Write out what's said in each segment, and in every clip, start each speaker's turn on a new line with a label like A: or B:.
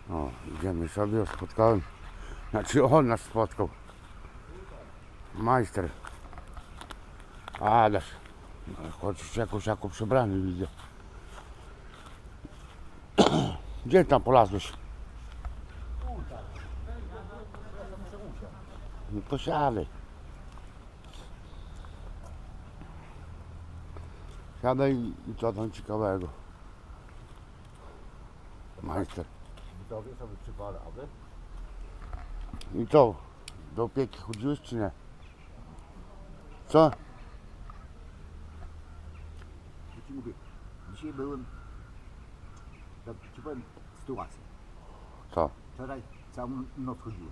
A: O, idziemy sobie, spotkałem. Znaczy on nas spotkał. Majster. Adaś. Choć jako przebrany widzę. Gdzie tam polazłeś? No to siadaj. Siadaj i co tam ciekawego. Majster.
B: Widzowie sobie przypala, a wy?
A: I co? Do opieki chodziłeś czy nie? Co?
B: Ja ci mówię, dzisiaj byłem, tak ci powiem sytuację.
A: Co?
B: Wczoraj całą noc chodziłem.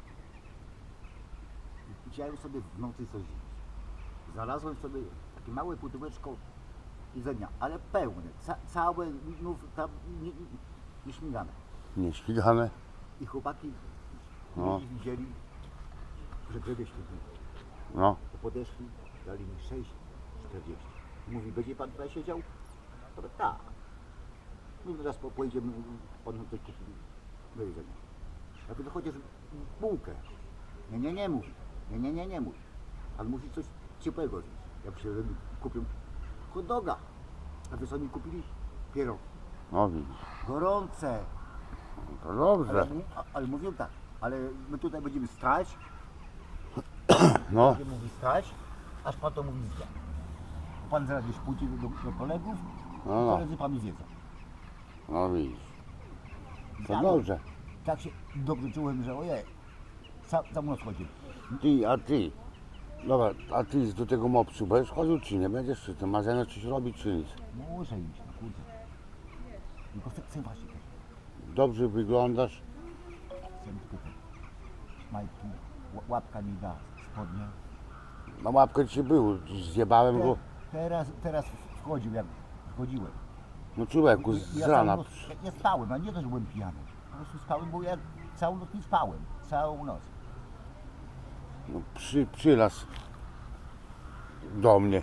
B: I chciałem sobie w nocy coś zjeść. Znalazłem sobie takie małe pudełeczko jedzenia, ale pełne, całe, no, tam nieśmigane.
A: Nieśmigane?
B: I chłopaki
A: No.
B: widzieli, że grzebieśmy.
A: No.
B: To podeszli, dali mi 6,40. Mówi, będzie pan tutaj siedział? To tak. Mówi, teraz pojedziemy, panu coś kupili do jedzenia. Ja mówię, chociaż bułkę. Nie mówi. Nie mówi. Pan musi coś ciepłego zjeść. Ja przyszedłem, kupię hot doga. A wy sobie kupili pierogi.
A: No widzisz.
B: Gorące.
A: To dobrze.
B: Ale mówią tak, ale my tutaj będziemy stać.
A: No.
B: Będziemy mówi stać, aż pan to mówi zda. Pan zaraz gdzieś pójdzie do kolegów,
A: No.
B: koledzy panu zjedzą.
A: No widzisz. To
B: Tak,
A: dobrze.
B: tak się dobrze czułem, że ojej, całą noc chodzimy.
A: Ty. Dobra, a ty do tego mopsu będziesz chodził czy nie? Będziesz czy ty masz zamiar coś robić czy nic?
B: Muszę iść, no kurde. Tylko chcę właśnie też.
A: Dobrze wyglądasz.
B: Chcę tylko te majtki, łapka mi da, spodnie.
A: Na łapkę ci był, zjebałem go.
B: Teraz wchodził, jak wchodziłem.
A: No człowieku,
B: I
A: z
B: ja
A: rana.
B: całą noc nie spałem, a nie to, że byłem pijany. Po prostu spałem, bo ja całą noc nie spałem. Całą noc.
A: No, przylazł do mnie.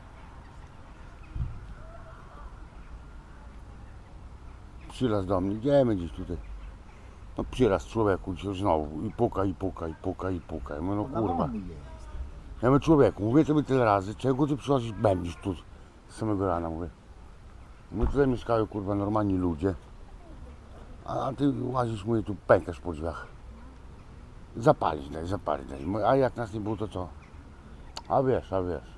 A: Przylazł do mnie, idziemy gdzieś tutaj. No przylazł człowieku dzisiaj znowu i puka. Ja mówię, no kurwa.
B: Nawalony jest.
A: Ja mówię, człowieku, mówię tobie tyle razy, czego ty przychodzisz, będziesz tu z samego rana, mówię. My tutaj mieszkają kurwa normalni ludzie. A ty łazisz, mówię, tu pękasz po drzwiach. Zapalić daj. Mówię, a jak nas nie było, to co? A wiesz.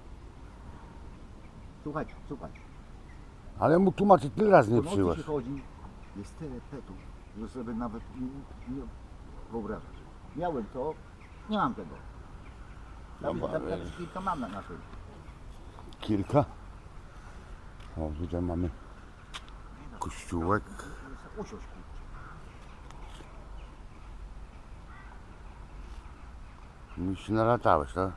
B: Słuchaj.
A: Ale mu tłumaczę, tyle razy nie
B: Po nocy się
A: przyjąłeś.
B: chodzi, jest tyle petów, że sobie nawet nie wyobrażasz. Miałem to, nie mam tego. Tam
A: No,
B: tak kilka mam na naszej.
A: Kilka. O, tutaj mamy kościółek.
B: Usiąść, kurczę.
A: Mi się nalatałeś, tak?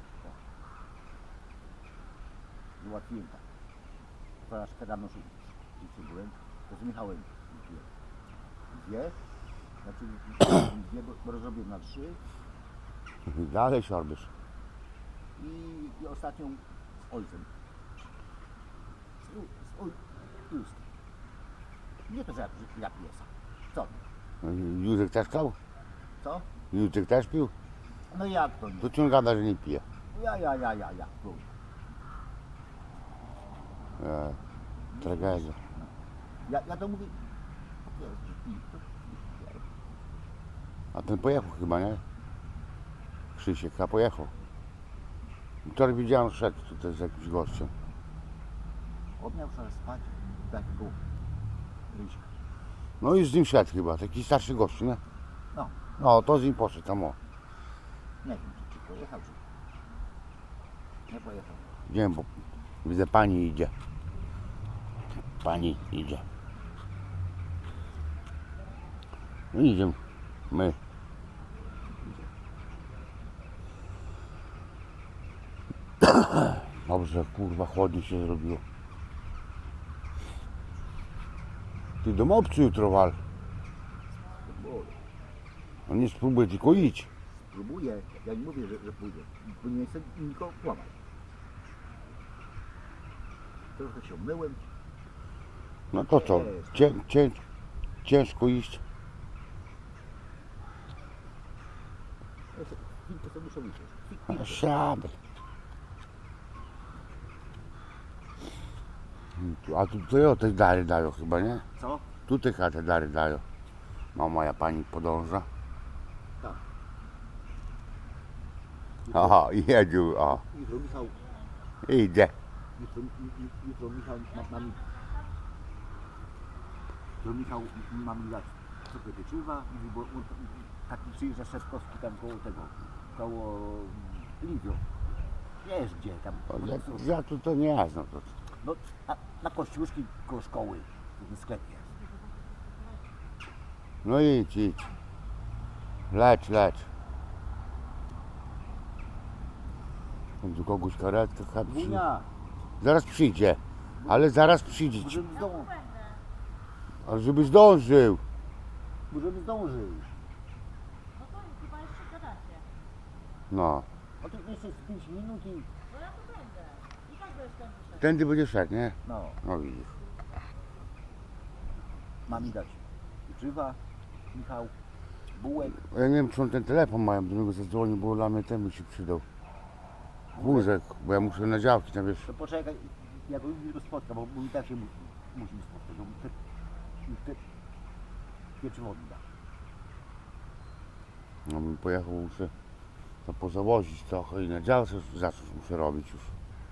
B: Załatwiłem tak. Flaszkę dawno już byłem, to z Michałem piłem. Dwie, bo rozrobiłem na 3
A: I dalej siorbisz.
B: i ostatnią z ojcem. Just. Nie to, że ja piję sam. Co?
A: Józek też chciał?
B: Co?
A: Józek też pił?
B: No jak to nie?
A: To ciągle gada, że nie pije.
B: Ja.
A: Tragedia.
B: Ja to mówię.
A: A ten pojechał chyba, nie? Krzysiek, a pojechał. Wczoraj widziałem, szedł tutaj z jakimś gościem.
B: On miał wczoraj spać takiego rysia.
A: No i z nim szedł chyba, taki starszy gościu, nie?
B: No,
A: No, to z nim poszedł tam, o.
B: nie wiem czy pojechał, czy nie pojechał.
A: Wiem, bo widzę, pani idzie. No idziemy. My. Dobrze, kurwa, chłodnie się zrobiło. Ty do mopcu jutro wal. No nie spróbuj, tylko idź.
B: Spróbuję, ja nie mówię, że pójdę, bo nie chcę nikogo kłamać. Trochę się myłem.
A: No to co? Ciężko iść.
B: chwilkę sobie muszę usiąść.
A: No,
B: Chwilkę.
A: siadaj. A tu to też dary dają chyba, nie?
B: Co?
A: Tutaj chyba te dary dają. No moja pani podąża.
B: Tak.
A: Aha, jedzie, o.
B: Jutro Michał,
A: Idzie.
B: jutro Michał ma mi... Jutro Michał ma mi dać trochę pieczywa, mówi, bo on taki przyjeżdża Szewkowski tam koło tego, koło Lidio. Wiesz gdzie tam.
A: Ja tu to nie znam. To.
B: No, na Kościuszki koło szkoły, w tym sklepie.
A: No idź, idź. Leć, leć. Tam do kogoś karetka chyba przyjdzie.
B: Wunia,
A: Zaraz przyjdzie. Ale zaraz przyjdzie.
B: możemy zdążyć.
A: Ale żeby zdążył.
B: Możemy zdążyć.
C: No to chyba jeszcze gadacie.
A: No.
B: A tu jeszcze jest 5 minut i...
C: No ja tu będę. I tak będziesz tam dzisiaj.
A: Tędy będzie szedł, nie?
B: No,
A: No widzisz.
B: ma mi dać pieczywa, Michał, bułek.
A: Ja nie wiem, czy on ten telefon ma, ja bym do niego zadzwonił, bo dla mnie ten by się przydał. Wózek, bo ja muszę na działki tam, wiesz.
B: To poczekaj, ja go jutro spotkam, bo i tak się musimy spotkać, bo te pieczywo odda.
A: No bym pojechał, muszę to pozawozić trochę i na działce zacząć muszę robić już.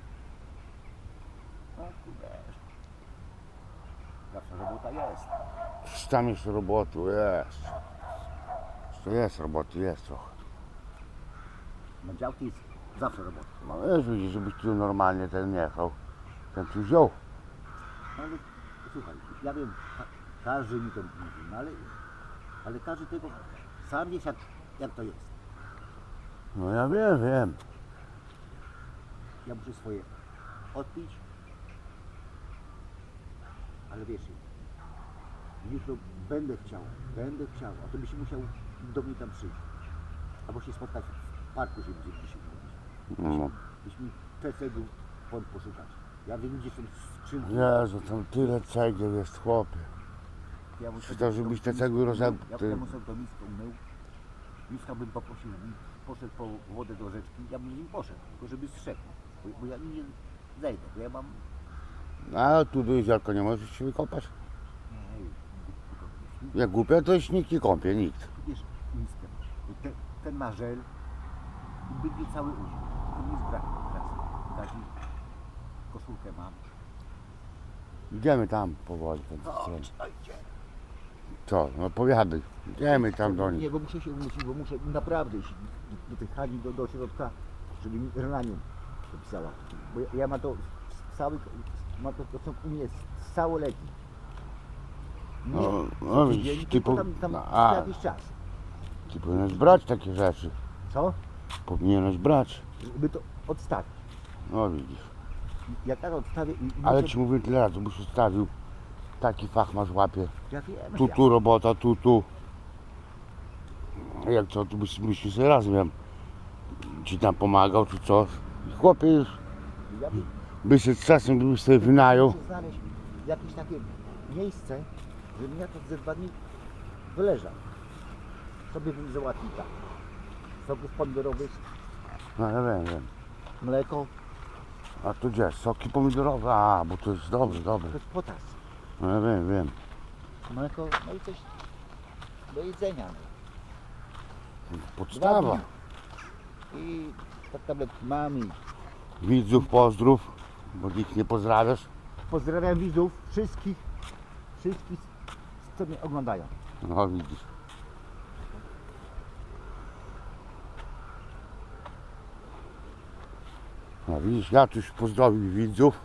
B: No tu wiesz, zawsze robota jest.
A: Przecież tam jeszcze roboty, jest. To jest roboty, jest trochę.
B: Na działce jest zawsze robota.
A: No wiesz, widzisz, żebyś tu normalnie ten jechał. Ten tu wziął.
B: No ale słuchaj, ja wiem, każdy mi to mówi, no ale każdy tego sam wiesz jak to jest.
A: No ja wiem, wiem.
B: Ja muszę swoje odpić, ale wiesz, jutro będę chciał, a to byś musiał do mnie tam przyjść. Albo się spotkać w parku, żeby dzisiaj mówić.
A: No.
B: Byś mi te cegły poszukać. Ja wiem, gdzie są skrzynki.
A: Jezu, tam tyle cegieł jest, chłopie.
B: Ja bym
A: Czy
B: sobie
A: to, żebyś te
B: tą
A: cegły
B: miskę
A: rozebrał?
B: umył, ja bym sobie to miskę umył. Miska bym poprosił, poszedł po wodę do rzeczki, ja bym z nim poszedł, tylko żeby zszedł. Bo ja nie zejdę, bo ja mam...
A: A tu do jeziorka nie możesz się wykopać? Jak głupia, to już nikt nie kąpie, nikt.
B: Wiesz, miskę, ten ma żel i będzie cały użył. To nic brak teraz. Taki koszulkę mam.
A: Idziemy tam powoli. Tam
B: O,
A: stronę.
B: czekajcie.
A: Co? No powiadaj. Idziemy tam do nich.
B: Nie, bo muszę się umyślić, bo muszę naprawdę iść do tej hali, do środka, żeby mi Renaniu dopisała. Bo ja mam to cały, to są u mnie całe leki. Nie,
A: No,
B: co
A: no
B: tydzień,
A: widzisz,
B: tylko
A: typu-
B: tam
A: a.
B: jakiś czas.
A: Ty powinieneś brać takie rzeczy.
B: Co?
A: Powinieneś brać.
B: Żeby to odstawić.
A: No widzisz.
B: Jak tak odstawię i
A: Ale
B: muszę-
A: ci mówię tyle razy, byś ustawił. Taki fach masz w łapie.
B: Ja wiem,
A: Tu,
B: ja-
A: tu robota, tu, tu. Jak co, tu byśmy sobie razem ja ci tam pomagał, czy co. Chłopie,
B: ja bym-
A: by się z czasem byś sobie wynajął.
B: muszę znaleźć jakieś takie miejsce, żebym ja to ze 2 dni wyleżał. Sobie bym załatwił tak. Soków pomidorowych,
A: No ja wiem.
B: mleko,
A: A tu gdzie? Soki pomidorowe? A, bo to jest dobre,
B: to
A: dobre.
B: jest potas.
A: No ja wiem.
B: Mleko, no i coś do jedzenia.
A: Podstawa.
B: I tak tabletki mam i
A: Widzów pozdrów, bo nikt nie pozdrawiasz.
B: pozdrawiam widzów, wszystkich, co mnie oglądają.
A: No widzisz. No widzisz, Jacuś pozdrowił widzów.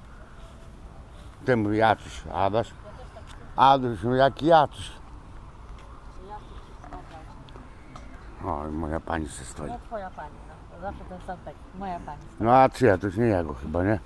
A: Ty mój Jacuś, Adaś. Adaś, no jaki Jacuś.
C: Ja tu wstawiam.
A: O, i moja pani se stoi.
C: No twoja pani, no. To zawsze ten sam tekst. Moja pani.
A: No a czy ja, to już nie jego chyba, nie?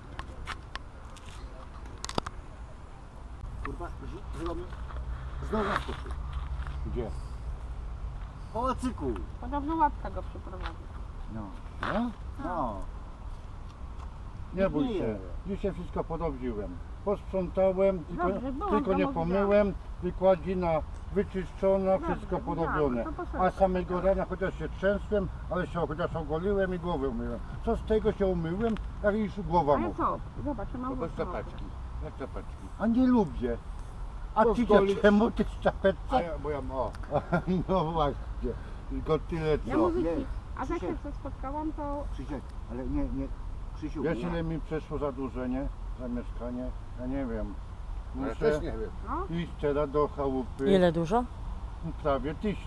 B: Kurwa, zielony znowu naskoczył. Gdzie? Po ocyku.
C: Podobno łatka go przyprowadzi.
B: No. No? No.
D: Nie bój
B: Nie.
D: się. Dzisiaj wszystko podobziłem. Posprzątałem,
C: Dobrze, byłam
D: tylko nie
C: tam,
D: pomyłem, wykładzina wyczyszczona, wszystko porobione.
C: to poszedł.
D: A samego rana chociaż się trzęsłem, ale się chociaż ogoliłem i głowę umyłem. Co z tego się umyłem, jak już głowa
C: Ale
D: mokra.
C: co? Zobacz, ja mam
A: To bez
C: włosy mokre.
A: czapeczki. Bez czapeczki.
D: A nie lubię. A
A: No
D: ty
A: zgolić-
D: czemu ty z
A: A
D: czapeczce?
A: ja, bo ja o.
D: No właśnie, tylko tyle
C: Ja
D: co.
C: mówię
B: Nie,
C: ci, a tak
B: Krzysiek.
C: jak się spotkałam, to
B: Krzysiek, ale nie, Krzysiu,
D: Wiesz
B: ja-
D: ile mi przeszło zadłużenie za mieszkanie? Ja nie wiem.
A: Ja
D: Muszę
A: też nie wiem.
C: no,
D: iść teraz do chałupy.
E: Ile dużo?
D: Prawie 1000.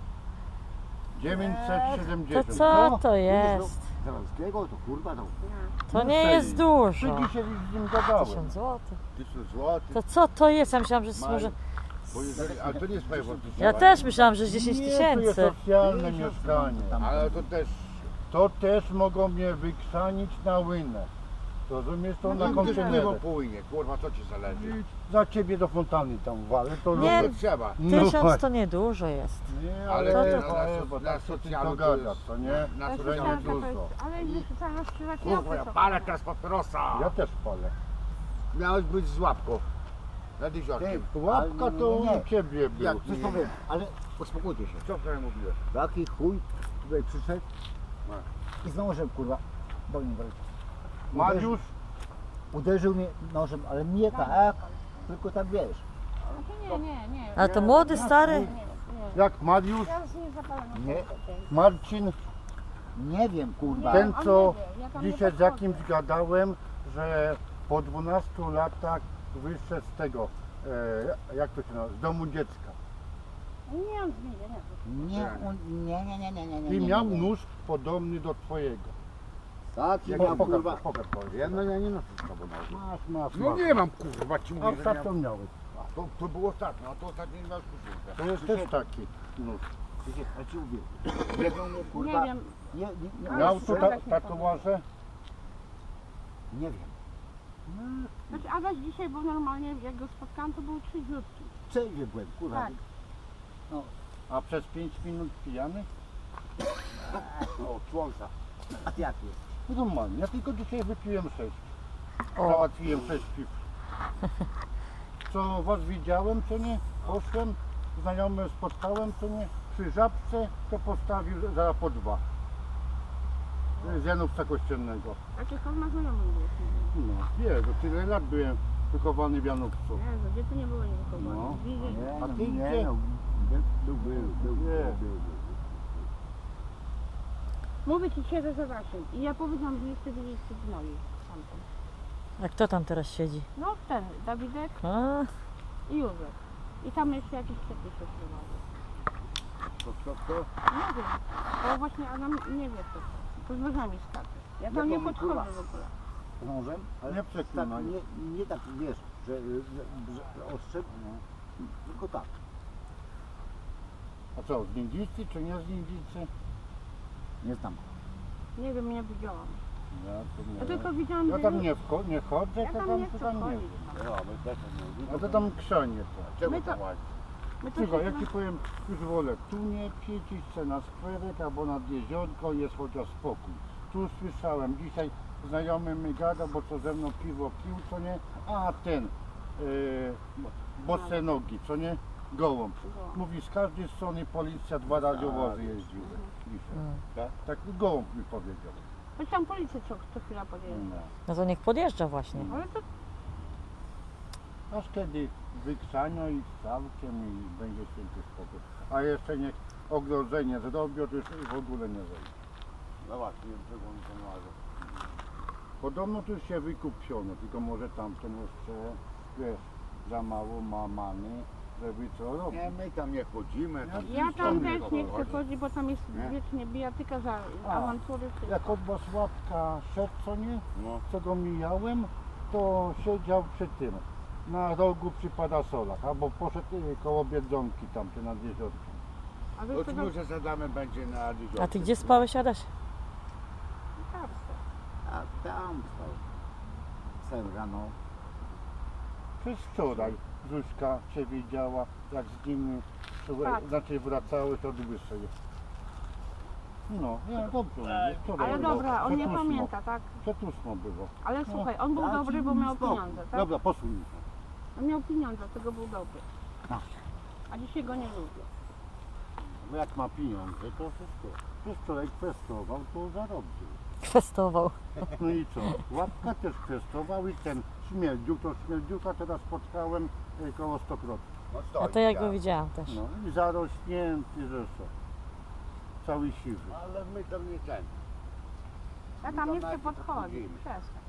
D: 970.
E: To co to jest?
B: Zawalskiego, to kurwa, no.
C: nie.
E: To nie jest
D: Ty
E: dużo.
D: dzisiaj z nim gadałem.
E: 1000 złotych.
A: 1000 złotych.
E: To co to jest? Ja myślałam, że jest może...
A: Bo jeżeli, ale to nie jest moje własne.
E: Ja też myślałam, że 10
D: Nie, to jest
E: tysięcy.
D: socjalne mieszkanie.
A: Ale to też.
D: To też mogą mnie wykrzanić na łynę. Rozumiesz to na
A: No piwo
D: kontenerze.
A: płynie, kurwa, co ci zależy?
D: Za ciebie do fontanny tam walę. To
E: Nie.
A: No to trzeba.
D: No
E: 1000
D: właśnie.
E: to niedużo jest.
D: Nie,
A: Ale
D: ale
E: to-
D: bo
A: na
D: tak to
A: socjalu
D: tylko
A: to
D: gada,
A: jest-
D: co nie?
A: na
C: To
D: Że
C: jest
D: nie
C: taka, to
D: dużo.
C: jest, ale wyrzucana sprzedaż
A: Kurwa, ja palę teraz papierosa.
D: Ja też palę.
A: Miałeś być z łapką. Nad jeziorkiem.
D: Łapka to
B: nie.
D: u ciebie był.
A: Jak?
B: Coś powiem, ale uspokójcie się.
A: Co wczoraj mówiłeś?
B: Taki chuj tutaj przyszedł i z nożem, kurwa, do mnie wrócił.
D: Mariusz,
B: Uderzył mnie nożem, ale nie tak, tylko tak wiesz.
C: Znaczy nie.
E: Ale to młody, stary?
C: Nie.
D: jak Mariusz,
C: Ja już nie zapalam na
B: Nie.
D: Marcin,
B: Nie wiem, kurwa.
D: ten
C: on
D: co
C: nie wie, ja tam nie
D: dzisiaj z
C: podchodzę.
D: jakimś gadałem, że po 12 latach wyszedł z tego, jak to się nazywa, z domu dziecka.
C: Nie, on zmienia, nie.
B: Nie, on, nie.
D: I miał nóż podobny do twojego.
B: Tak, ja
D: Po-
B: miałem,
D: Pokaż,
B: kurwa.
D: pokaż, pokaż.
A: Ja nie noszę z tobą.
D: Masz.
A: No nie mam kurwa ci
D: A
A: mówię, że
D: ostatnio
A: miałem.
D: miałeś.
A: A to było ostatnio, a to ostatnio nie miałeś koszulkę.
D: To jest też taki nóż.
B: Krzysiek, a ci mówię. Jedną mnie,
C: Nie
B: kurwa.
C: wiem,
B: Nie,
D: Miał tu
C: Adaś nie
D: tatuaże?
B: nie wiem.
C: znaczy Adaś dzisiaj, bo normalnie jak go spotkałam, to był trzeźwiutki.
B: Trzeźwy byłem, kurwa.
C: Tak.
D: A przez 5 minut pijany?
A: O, członka.
B: A ty jak jest?
D: Normalnie. Ja tylko dzisiaj wypiłem 6.
E: O,
D: Załatwiłem 6 piw. Co was widziałem, co nie? Poszłem, znajome spotkałem, co nie? Przy Żabce to postawił za po 2. Z Janówca Kościelnego.
C: Takich on ma znajomych było.
D: No, Jezu, tyle lat byłem wychowany w Janówcu.
C: Jezu, gdzie to nie było nikogo.
D: No.
B: Nie,
D: A
B: no,
D: ty
B: nie,
D: gdzie?
B: no. Był.
D: Nie.
C: Mówię ci, siedzę za Adasiem i ja powiedziałam, że jeszcze widzieć się gnoi. Tamten.
E: a kto tam teraz siedzi?
C: No ten, Dawidek
E: A,
C: i Józef. I tam jeszcze jakiś przepis się prowadzi.
A: To?
C: Nie wiem, bo właśnie Adam nie wie co. To z nożami skacze. Ja tam nie
B: Jaką
C: podchodzę
B: kurwa?
C: w ogóle.
B: Nożem? Ale
D: Nie
B: tak,
D: przeklinaj.
B: nie tak, wiesz, że ostrzep, tylko tak.
D: A co, z Nidzicy czy nie z Nidzicy?
B: Nie znam.
C: Nie wiem, nie widziałam.
D: Ja, to nie
C: Ja
D: wiem.
C: tylko widziałam,
D: Ja
C: że...
D: tam nie chodzę,
C: Ja
D: to
C: tam
D: tam,
C: nie
D: to
C: chcę
D: tam nie
C: wchodzić.
D: wiem.
A: No, my też nie
D: A to tam krzanie to.
A: Czego
C: My to-
A: tam łazisz?
C: My to
D: Tylko,
C: się
D: ja
C: zna-
D: ci powiem, już wolę tu nie pić, iść na skwerek albo nad jeziorko, jest chociaż spokój. Tu słyszałem, dzisiaj znajomy mi gada, bo co ze mną piwo pił, co nie, a ten, bose nogi, co nie, gołąb. Mówi, z każdej strony policja 2 razy wozy jeździły dzisiaj.
A: Tak?
D: Tak gołąb mi powiedział.
C: Choć tam policja co chwila podjeżdża.
D: No.
E: no to niech podjeżdża właśnie.
C: Ale to
D: Aż kiedy wykrzanią ich całkiem i będzie święty spokój. A jeszcze niech ogrodzenie zrobią, to już w ogóle nie wejdzie.
A: No właśnie, nie wiem czego oni tam łażą.
D: Podobno tu się wykupiono, tylko może tamten jeszcze, wiesz, za mało ma many, żeby co robić.
A: Nie, my tam nie chodzimy.
C: ja tam
A: nie
C: też nie chcę
A: chodzi.
C: chodzić, bo tam jest
A: Nie?
C: wiecznie bijatyka za
D: A,
C: awantury.
D: Jak od was łapka szedł, co nie,
A: No.
D: co go mijałem, to siedział przy tym, na rogu przy parasolach, albo poszedł koło Biedronki tamty nad jeziorkiem.
C: A wiesz
A: To
C: co
A: ci
C: tam...
A: może zadamy będzie na jeziorku.
E: A ty gdzie spałeś, Adaś?
B: A tam stał. Sen rano.
D: Przez wczoraj Zuśka cię widziała, jak z nim,
C: Tak.
D: znaczy wracałeś od Łysej. No, ja dobrze mówię, wczoraj
C: Ale
D: było.
C: dobra, on nie
D: Przed 8.
C: pamięta, tak?
D: Przed 8 było.
C: Ale słuchaj, on był
B: Ja
C: dobry,
B: ci
C: bo miał
B: spokój.
C: pieniądze, tak?
D: Dobra, posłuchaj.
C: On miał pieniądze, tego był dobry. A dzisiaj go nie lubię.
D: Bo jak ma pieniądze, to wszystko. Przez wczoraj kwestował, to zarobił.
E: Kwestował.
D: No i co? Łapka też kwestował i ten śmierdziuk, to śmierdziuka teraz spotkałem koło Stokrotki.
A: No
E: A
A: stoi,
E: to ja go
A: tak.
E: widziałam też.
D: No i zarośnięty, że co? Cały siwy.
A: Ale my tam nie ten.
C: Ja tam nie chcę podchodzić. Przestań.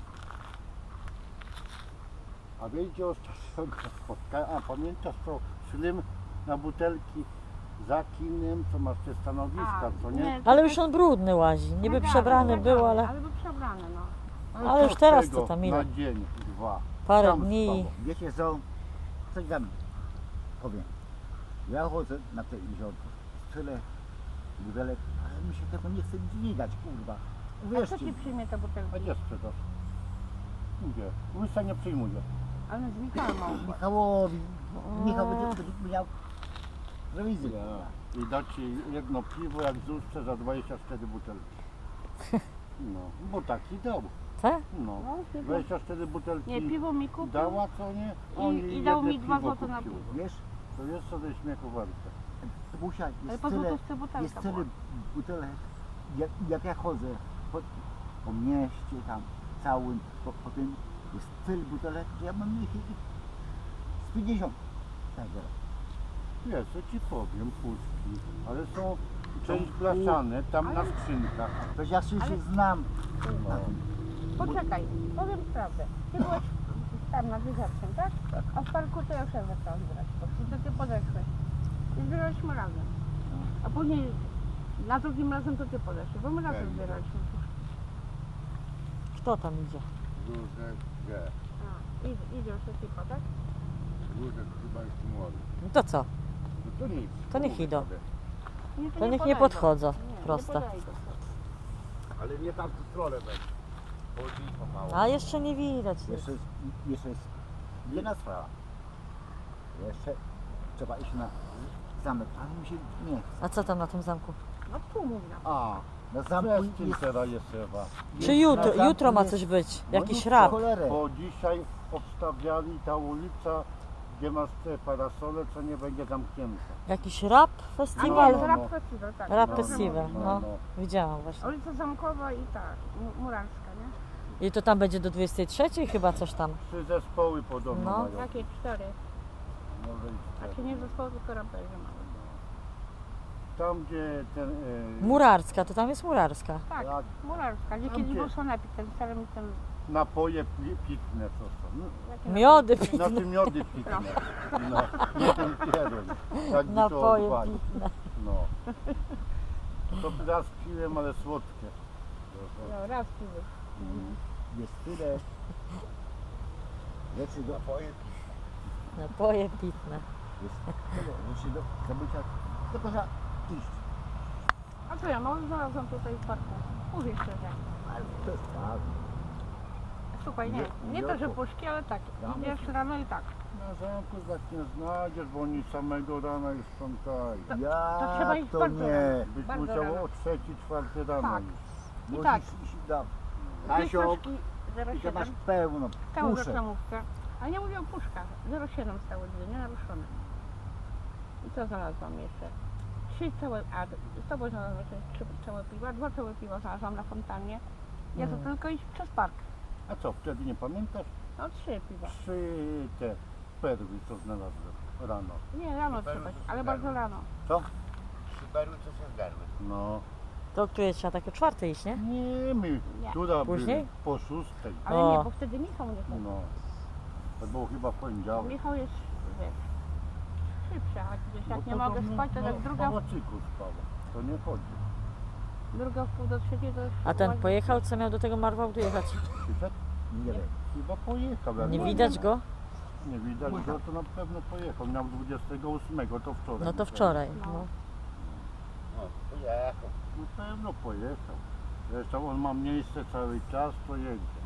D: A wiecie ostatniego spotkania, a pamiętasz to film na butelki za kinem, co masz te stanowiska, co nie?
E: Ale już on brudny łazi. Niby przebrany był, ale
C: Ale był przebrany, no.
E: ale
D: co
E: już
D: z
E: teraz
D: tego
E: to tam ile?
D: Na dzień, dwa.
E: Parę
D: Tam
E: dni.
D: spało.
B: Wiecie co? Coś wam powiem. Ja chodzę na te jeziorko. Tyle butelek, ale mi się tego nie chce dźwigać, kurwa.
C: A kto
B: Uwierzcie
C: ci
B: mi.
C: przyjmie te
D: A
C: butelki?
D: gdzie sprzedaż? Gdzie? Łysa nie przyjmuje.
C: Ale z Michałem małpą.
B: Michałowi. Michał będzie miał rewizję.
D: I dać ci jedno piwo jak zuszcze za 24 butelki. No, bo taki dał.
E: tak?
D: No,
C: No, piwo.
D: 24 butelki
C: Nie, piwo mi kupił
D: dała, co nie? A on jej
C: i dał
D: jedno
C: mi 2
D: piwo
C: złote na
D: kupił.
C: piwo.
B: Wiesz,
D: To jest co ze śmiechu warte.
B: Busia,
C: Ale
B: jest
C: po
B: tyle,
C: złotówce butelka
B: jest
C: była.
B: tyle butelek, jak ja chodzę po mieście tam całym, po tym, jest tyle butelek, że ja mam ich z 50. Tak, zaraz.
D: Wiesz, co ci powiem, puszki, ale są część blaszane tam na skrzynkach.
B: To ja się
C: Ale-
B: znam
D: No.
B: na tym.
C: Poczekaj, powiem prawdę. Ty byłeś tam nad jeziorkiem, tak? A w parku to ja już zaczęłam zbierać. To ty podeszłeś. I zbieraliśmy razem. A później na drugim razem to ty podeszłeś, bo my razem
A: Tak.
C: zbieraliśmy.
E: Kto tam idzie?
A: Różne, gdzie?
C: A, idzie już tylko, tak?
A: Różne chyba jest młody.
E: No to co?
A: No to nic.
E: To niech
A: Mówię
E: idą.
A: sobie.
E: To niech nie
C: podejdą.
E: podchodzą.
C: Nie,
E: Proste.
C: Nie podejdą.
A: Ale nie tam w stronę będzie. Chodzi pomału.
E: A jeszcze nie widać.
B: Jeszcze jest jedna sprawa. Jeszcze trzeba iść na zamek, ale mi się nie chce.
E: A co tam na tym zamku?
C: No tu mów nam.
B: A, na zamku
D: Bez tym
B: jest,
D: teraz jest Ewa.
E: Czy
B: jest
E: jutro,
B: na zamku
E: jutro ma
B: jest-
E: coś być?
B: no
E: Jakiś
B: no,
E: rap?
B: cholerę.
D: Bo dzisiaj obstawiali ta ulica, gdzie masz te parasole, co nie będzie zamknięta.
E: Jakiś rap
C: A nie,
E: festiwal?
C: to rap festiwal, tak.
E: Rap
C: No,
E: festiwal,
C: no.
E: no. Widziałam właśnie.
C: Ulica Zamkowa i tak, Muralska, nie?
E: I to tam będzie do 23 chyba coś tam.
D: 3 zespoły podobno
E: No.
D: mają.
C: Jakie 4?
D: Może i
C: A
D: 4.
C: czy nie zespoły, tylko raperzy mają.
D: Tam gdzie ten...
E: Murarska, to tam jest Murarska.
C: Tak,
D: Tak.
C: Muralska, gdzie
D: Tam
C: kiedyś
D: gdzie?
C: był sonepik, ten starym ten...
D: napoje pitne co są. No,
C: jakie
E: Miody
C: napoje?
E: pitne.
D: znaczy miody pitne. No, nie ten jeden. Tak by to
E: Napoje
D: odwalił.
E: pitne.
D: No. To raz piłem, ale słodkie.
C: No, raz piły.
B: jest tyle rzeczy do,
E: Napoje pitne.
B: jest tyle rzeczy do zabycia, tylko że iść.
C: A co ja, no znalazłam tutaj w parku. Mówię szczerze.
B: Ale to jest prawda.
C: Słuchaj, nie to, że puszki, ale tak. Idziesz rano i tak.
D: Na zamku tak nie znajdziesz, bo oni samego rana już sprzątają.
C: to trzeba iść
B: to
C: bardzo
B: nie.
C: rano.
D: Byś
C: Bardzo
D: musiał
C: rano.
D: o 3, 4 rano
C: Tak.
D: iść.
C: I
B: Musisz
C: tak.
B: iść tam.
C: Dwie
B: Kasio,
C: puszki
B: i to masz
C: 0,7.
B: pełno
C: Całą
B: puszek.
C: reklamówkę. A nie mówię o puszkach. 0,7 stały dwie, nienaruszone. I co znalazłam jeszcze? 3 całe, a z tobą znalazłam jeszcze 3 całe piwa, 2 całe piwa znalazłam na fontannie. Ja to tylko iść przez park.
D: A co, wtedy nie pamiętasz?
C: No 3 piwa.
D: 3 te perły, co znalazłem rano.
C: Nie, rano trzeba, ale bardzo rano.
A: Szyberu co się zgarły.
D: No.
E: To które trzeba tak o 4 iść, nie?
D: Nie, my
C: Nie.
D: tuda
E: Później?
D: byli po 6.
C: Ale
E: O.
C: nie, bo wtedy Michał nie chodzi.
D: No. To było chyba w poniedziałek.
C: Michał jest, wiesz, szybszy, a gdzieś jak
D: Bo
C: nie
D: to
C: mogę
D: do-
C: spać, to
D: no,
C: tak
D: w
C: druga,
D: pałacyku spała. To nie chodzi.
C: druga w pół do trzeciej to już...
E: A ten
C: ładnie-
E: pojechał, co miał do tego Marwałdu jechać?
D: Przyszedł?
B: Nie wiem.
D: Chyba pojechał. jak
E: Nie
D: nie-
E: widać go?
D: Nie widać go, to na pewno pojechał. Miał 28, to wczoraj.
E: No to wczoraj. No.
A: No, pojechał.
D: Na pewno pojechał. Zresztą on ma miejsce cały czas, to jedzie.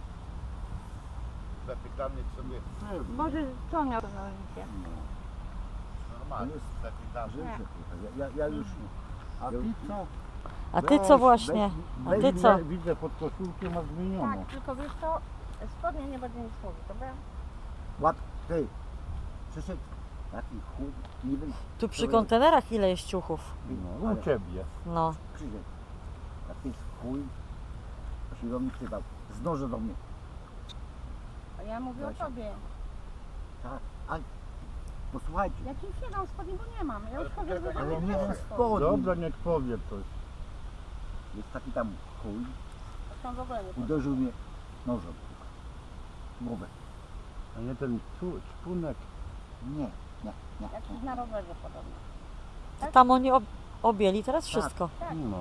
A: Zapytany sobie
D: Pewnie.
C: Może co on miał to na życie?
A: normalnie.
B: Jest.
A: Zapytany.
B: Życie trochę. Ja już...
D: A ty co?
E: A ty co właśnie? A ty co?
D: Widzę pod koszulkiem ma zmienioną.
C: Tak, tylko wiesz co, spodnie nie będzie nic mówić, dobra?
B: Łap, ty, przyszedł Taki chuj, nie wiem,
E: Tu przy kontenerach ile jest ciuchów?
D: No, u ciebie.
E: No.
B: Krzysiek, taki chuj, się do mnie chwytał, z noża do mnie.
C: A ja mówię o tobie.
B: Tak, ale posłuchajcie,
C: Ja ci nie dam spodni, bo nie mam. Ja już chodzę do
B: ale
C: domu,
B: nie
C: mam
B: mam
C: spodni.
B: spodni.
D: Dobra, niech powie coś.
B: Jest taki tam chuj,
C: Są w ogóle nie
B: uderzył mnie nożem w głowę.
D: A nie ten szpunek.
B: Nie, nie, nie.
C: Jakiś na rowerze podobno.
E: Tam oni objęli teraz wszystko.
D: No.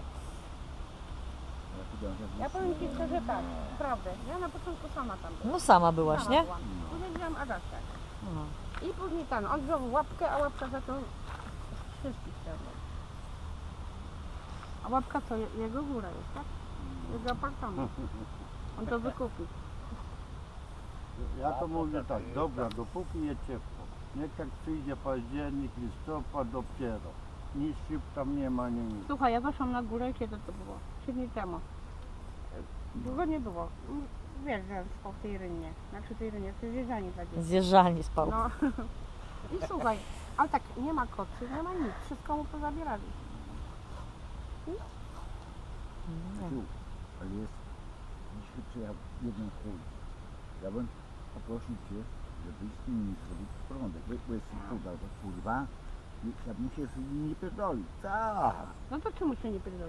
B: Ja powiedziałem, że
C: Ja powiem ci szczerze tak, naprawdę. Ja na początku sama tam byłam.
E: No sama byłaś,
C: Sama
E: nie?
C: byłam. Później wziąłem Agatę.
E: No.
C: I później ten, on wziął łapkę, a łapka zaczął wszystkich ściągnąć. A łapka to jego góra jest, tak? Jego apartament. On to wykupił.
D: Ja to mówię tak, dobra, dopóki jest ciepło. Niech tak przyjdzie październik, listopad dopiero. Nic się tam nie ma, nie nic.
C: Słuchaj, ja weszłam na górę, kiedy to było? 3 dni temu. Długo nie było. Wiesz, że spał w tej rynnie. Znaczy tej rynnie, w tej zjeżdżalni takiej.
E: Zjeżdżalni spał.
C: No. I słuchaj, ale tak, nie ma kocy, nie ma nic. Wszystko mu pozabierali.
B: tu, ale jest, dzisiaj przyjechał jeden chuj. Ja bym poprosił Cię, żebyś z nim zrobił porządek, bo jest chuda, to kurwa. I ja bym się z nim nie pierdolił. Tak.
C: No to czemu się nie pierdolił?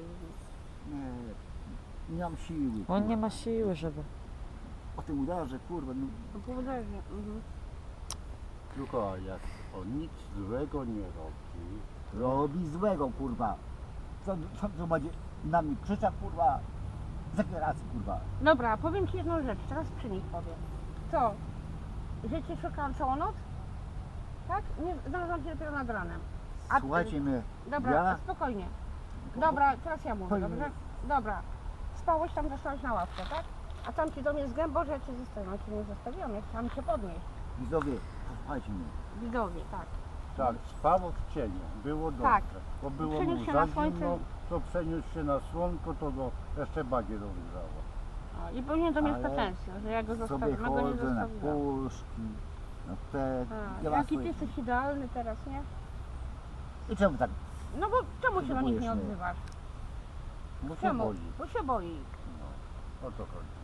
B: Nie mam siły.
E: On nie
B: kurwa.
E: ma siły, żeby...
B: O tym udarze, kurwa, no.
C: No powiedziałeś, że... Mhm.
D: Słuchaj, jak on nic złego nie robi,
B: Robi złego, kurwa. Co będzie na mnie krzyczał, kurwa. Zakieracy, kurwa.
C: Dobra, powiem Ci jedną rzecz, teraz przy nich powiem. Co? Że Cię szukałam całą noc? Tak? Nie, znalazłam Cię dopiero nad ranem. A
B: Słuchajcie mnie,
C: Dobra,
B: ja...
C: spokojnie. Dobra, teraz ja mówię,
B: Powiem-
C: dobrze? Dobra. Spałeś tam, zostałeś na ławce, tak? A tam Ci do mnie z gębą, że ja Cię zostawiam. Ja Cię nie zostawiłam, ja chciałam Cię podnieść.
B: Widzowie, posłuchajcie mnie.
C: Widowie, tak.
D: tak, spało w cieniu, było dobrze.
C: Tak.
D: Bo było
C: Przeniósł
D: mu
C: się
D: za
C: na słońce.
D: zimno, to przeniósł się na słonko, to go jeszcze bardziej rozgrzało.
C: O, i powinien do mnie
B: Ale
C: pretensje, że ja go
B: Sobie
C: zostawiłam, ja go nie
B: chodzę na
C: zostawiłam.
B: puszki, na te...
C: A,
B: ja mam
C: jaki Ty
B: swoje-
C: jesteś idealny teraz, nie?
B: I czemu tak?
C: No bo czemu się do nich nie
B: Próbujesz mnie.
C: odzywasz?
D: Bo się
C: Czemu?
D: boi,
C: Bo się boi.
D: o to chodzi.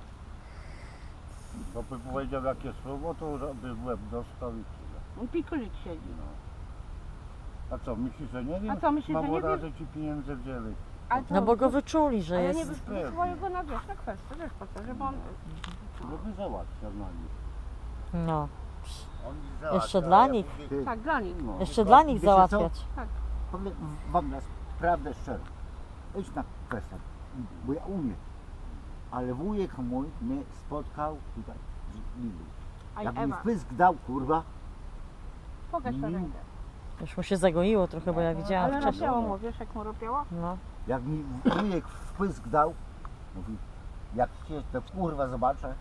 D: Bo by powiedział jakie słowo, to by w łeb dostał i tyle.
C: On pikulik siedzi.
D: No. A co, myślisz, że nie wiem?
C: A co, myślisz, że nie
D: Mało
C: wiem?
D: razy ci pieniądze wzięli.
C: Ale to,
E: No bo go wyczuli, że
C: ale
E: jest...
C: nie wysyłają go na wiesz, na kwestię, wiesz po co, żeby on...
D: Żeby załatwiał na nich.
E: No.
A: On mi
E: Jeszcze
A: załatwia,
E: dla
A: a ja
E: nich.
A: później-
C: Tak, dla nich.
D: No.
E: Jeszcze dla nich
B: Wiecie co?
E: załatwiać.
B: Powiem wam raz prawdę szczerą. Idź na kwestię, bo ja umiem. Ale wujek mój mnie spotkał tutaj w Lidlu.
C: A
B: Jak mi
C: Ewa,
B: pysk dał, kurwa,
C: pokaż tę rękę.
E: Już mu się zagoiło trochę, bo ja widziałam
C: Ale
E: wcześniej.
C: robiało mu, wiesz jak mu robiało?
E: No.
B: jak mi wujek wpysk dał, mówi, jak cię to kurwa zobaczę,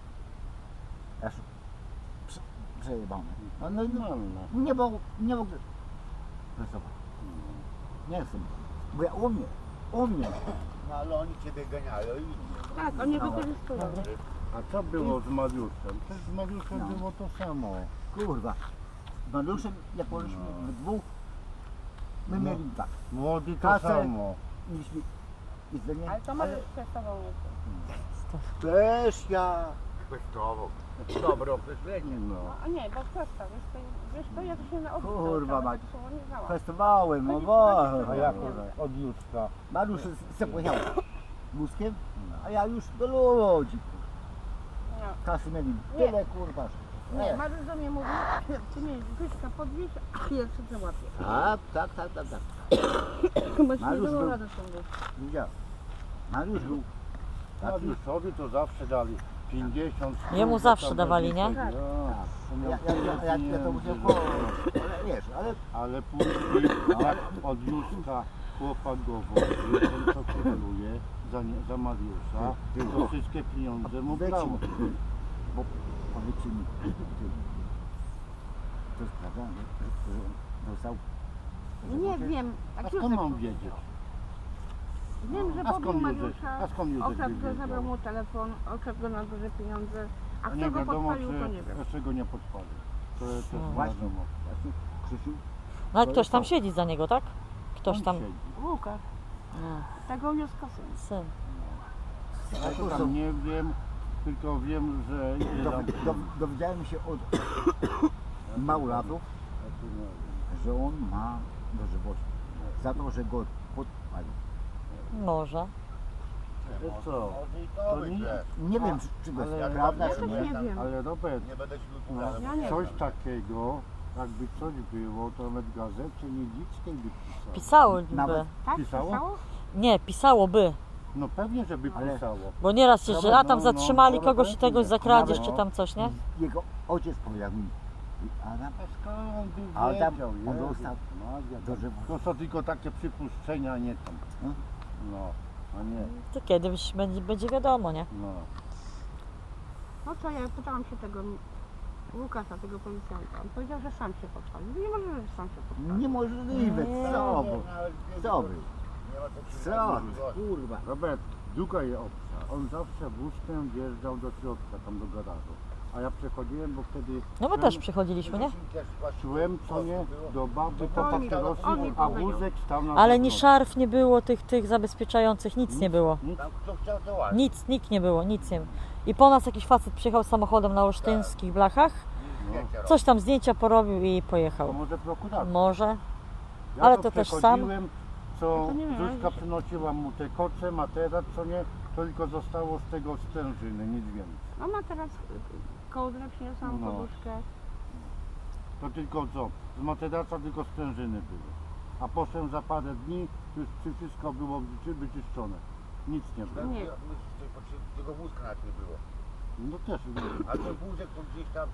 B: aż przejebane. No,
D: Normalne.
B: nie mogę pracować. Nie chcę, bo ja umiem.
A: No ale oni ciebie ganiają i
C: Tak, oni wykorzystują.
D: A co było z Mariuszem? Też z Mariuszem
B: No.
D: było to samo.
B: Kurwa. Z Mariuszem, jak byliśmy w dwóch, my
D: No.
B: mieli tak.
D: Młody to
B: Kasę.
D: samo.
B: Mieliśmy jedzenie,
C: Ale to może testował nie.
B: też ja.
A: kwestionował. Dobre określenie.
D: No.
C: A nie, bo kwestia, wiesz to jak się na obu
B: Kurwa mać.
C: słowo nie znała.
B: Festowałem, no
C: Chodzi-
B: bo.
C: chodzi-
D: A jak od Józka?
B: Mariusz se pojechał wózkiem, a ja już do ludzi.
C: No.
B: Kasy mieli
C: Nie.
B: tyle, kurwa. że-
C: Nie, Mariusz do mnie mówi, ty mnie Wyśka podwieźć, a ja się załapię.
B: Tak.
C: Chyba się nie
B: Mariusz
C: dało
B: był-
C: rady ciągnąć.
B: Widział. Mariusz był taki.
D: Mariuszowi to zawsze dali 50.
E: Jemu zawsze dawali, nie?
C: Tak.
B: Ja to musiał po... Ale wiesz, ale
D: Ale później jak od Józka chłopak go woził, ten co kieruje za Mariusza, to wszystkie pieniądze mu
B: Wiecie,
D: brało.
B: bo powiedzcie mi, to jest prawda, że on dostał...
C: Nie wiem,
D: A
C: a
D: skąd mam wiedzieć?
C: Wiem, że
D: A
C: pobił
D: skąd Józef?
C: Mariusza,
D: A skąd Józef
C: okradł
D: by
C: go,
D: wiedział?
C: zabrał mu telefon, okradł go na duże pieniądze, a
D: A
C: kto
D: nie
C: go
D: wiadomo,
C: podpalił, to nie
D: czy
C: wiem.
D: dlaczego nie podpalił. to jest
E: No.
B: Właśnie,
D: wiadomo.
B: właśnie, Krzysiu,
E: No ale
B: To
E: ktoś
B: jest
E: tam
B: to.
E: siedzi za niego, tak? Ktoś
D: On
E: tam.
D: siedzi.
C: Łukasz,
E: No,
C: tego Józka syn.
E: syn.
D: Ja to tam nie wiem, tylko wiem, że
B: dowiedziałem się od małolatów, że on ma dożywocie. Za to, że go podpalił.
E: Może.
D: Wiesz co, to nie,
B: Nie wiem, czy to
D: Ale-
B: jest prawda,
C: Ja
B: czy
C: też
B: nie.
C: nie wiem.
D: ale Robert,
A: Nie będę ci
D: no,
C: Ja nie
D: coś takiego, jakby coś było, to nawet w gazecie Niedzickiej by pisało.
E: Pisałoby.
B: Nawet-
C: Tak?
D: Pisało?
E: Nie, pisałoby.
D: No pewnie, żeby
B: Ale-
D: pisało.
E: Bo nieraz się, że a tam
D: No,
E: zatrzymali
D: no,
E: kogoś i
D: no,
E: tegoś
D: no.
E: za kradzież
B: Nawet-
E: czy tam coś, nie?
B: Jego ojciec powiedział mi, Adam,
D: A skąd by
B: A tam
D: wiedział,
B: on
D: Jezu,
B: dostał
D: Maria,
B: dożywocie.
D: to są tylko takie przypuszczenia, a nie tam.
B: Hmm?
D: No, a nie,
E: To kiedyś będzie wiadomo, nie?
D: no.
C: No co, ja pytałam się tego Łukasza, tego policjanta. On powiedział, że sam się podpalił. Nie może, że sam się podpalił.
B: Niemożliwe, co wy? Co wy? Co? Kurwa.
D: Robert, druga jest opcja. On zawsze wózkiem wjeżdżał do środka, tam do garażu. A ja przechodziłem, bo wtedy
E: No my też przychodziliśmy, nie?
D: szłem, co nie, do baby po
C: On mi
D: papierosy,
C: powiedział.
D: a wózek stał na
E: Ale ni
D: zewnątrz.
E: szarf nie było, tych zabezpieczających, nic nie było.
D: Nic?
A: Tam kto chciał to ładnie.
E: Nic, nikt nie było, nic nie. I po nas jakiś facet przyjechał samochodem na olsztyńskich blachach, coś tam zdjęcia porobił i
D: To
E: pojechał.
D: może prokurator.
E: Może.
D: Ja
E: ale
D: to
E: to też sam.
D: przechodziłem, co
C: To nie wiem,
D: Zuzka
C: ale-
D: przynosiła mu te koce, materac, co nie, to tylko zostało z tego stężyny, nic więcej.
C: No ma teraz kołdrę, przyniosłam
D: No.
C: poduszkę.
D: To tylko co, z materaca tylko stężyny były. A potem za parę dni już wszystko było wyczyszczone. Nic nie było.
C: Nie.
A: Tego wózka nawet nie było.
D: No też nie było.
A: A ten wózek to gdzieś tam...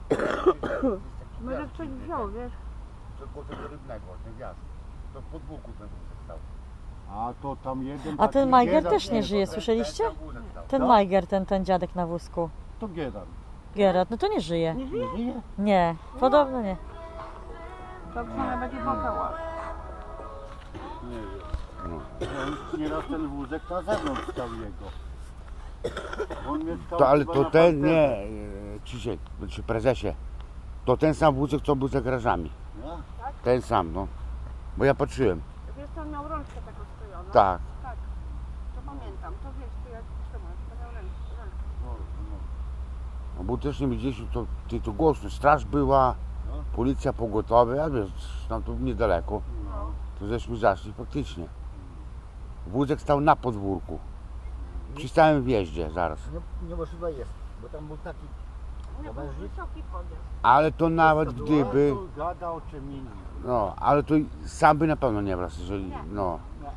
C: Może ktoś wziął, wiesz?
A: Tylko tego rybnego, ten gwiazd. To w podwórku ten wózek stał.
D: A to tam jeden
E: A ten
D: taki
E: Majger
D: Gerard
E: też nie żyje, słyszeliście?
A: Ten wózek stał.
E: Ten
B: No.
E: Majger, ten dziadek na wózku.
D: To Gerard.
E: Gerard, no to nie żyje.
C: Nie żyje?
D: Nie żyje?
E: Nie, podobno nie.
C: To Oksana będzie płakała.
D: Nie wiem. On nieraz ten wózek na zewnątrz stał jego. On mieszkał
A: To, ale
D: chyba
A: to
D: na
A: ten,
D: parterze.
A: nie, Krzysiek, czy prezesie. To ten sam wózek, co był za garażami.
D: No.
A: Ten sam, no. Bo ja patrzyłem.
C: Wiesz, to on miał rączkę taką sklejoną.
A: Tak.
C: Tak. To pamiętam. To wiesz, to jak trzymasz, to miał rączkę.
D: No, no.
A: No bo też nie widzieliśmy, to głośno. Straż była,
D: No.
A: policja pogotowie, a wiesz, tam tu niedaleko.
D: No.
A: To żeśmy zaszli faktycznie. Wózek stał na podwórku. Przy stałym wjeździe zaraz.
B: Niemożliwe jest, bo tam był taki,
C: Nie, był
B: Zobaczysz?
C: wysoki podjazd.
A: Ale to nawet gdyby,
D: On tu gada o czym innym.
A: no, ale to sam by na pewno nie wraz, jeżeli, no.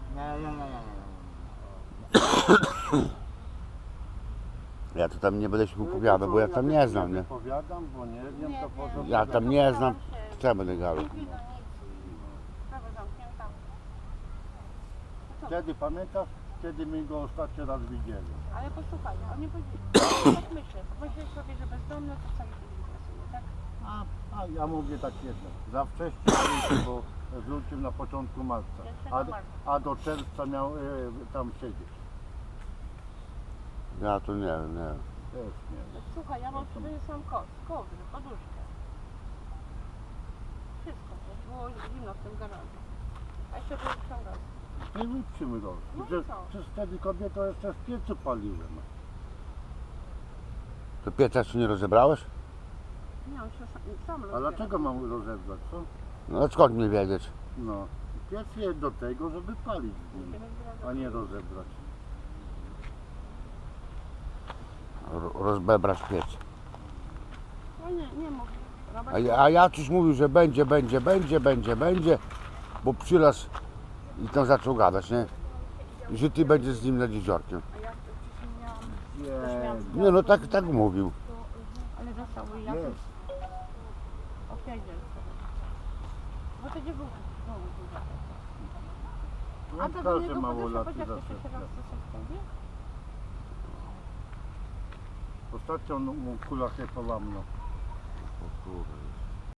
B: nie.
A: Ja to tam nie będę się wypowiadał, bo ja tam nie znam, nie.
D: Wypowiadam, bo nie wiem, to po co
A: Ja tam nie znam, to co ja będę gadał.
C: Prawo zamknięta.
D: Kiedy pamiętasz, kiedy my go ostatni raz widzieli?
C: Ale posłuchaj, on nie powiedział. Tak myślę. Myślisz sobie, że bezdomny to wcale się nie interesuje, tak?
D: A ja mówię tak jedno. Za wcześnie, bo wrócił na początku marca. A do czerwca miał tam siedzieć.
A: Ja to nie wiem, nie wiem.
D: Też nie.
C: Słuchaj, ja mam sobie sam kołdrę, poduszkę. Wszystko, wiesz, było zimno w tym garażu. A jeszcze był ksiągaz.
D: Nie wytrzymy go.
C: No i
D: Przecież
C: co?
D: przez wtedy kobietę jeszcze w piecu paliłem.
A: To pieca jeszcze nie rozebrałeś?
C: Nie, on się sam
D: A dlaczego mam rozebrać, co?
A: No skąd mnie wiedzieć?
D: No. Piec jest do tego, żeby palić w nim, a nie rozebrać.
A: Rozbebrać piec.
C: No nie mów.
A: A Jacuś mówił, że będzie, bo przylazł i tam zaczął gadać, nie? I że ty będziesz z nim nad jeziorkiem.
C: A ja wcześniej miałam,
D: Nie.
A: Nie no, tak mówił.
C: ale został ja
D: Jest.
C: opiedziel. Bo to nie był.
D: No,
C: A to do
D: każdy
C: niego
D: małolaty
C: podeszła,
D: zawsze.
C: powiedział, że raz to sobie.
D: Ostatnio mu kula się połamno.
A: O kurde.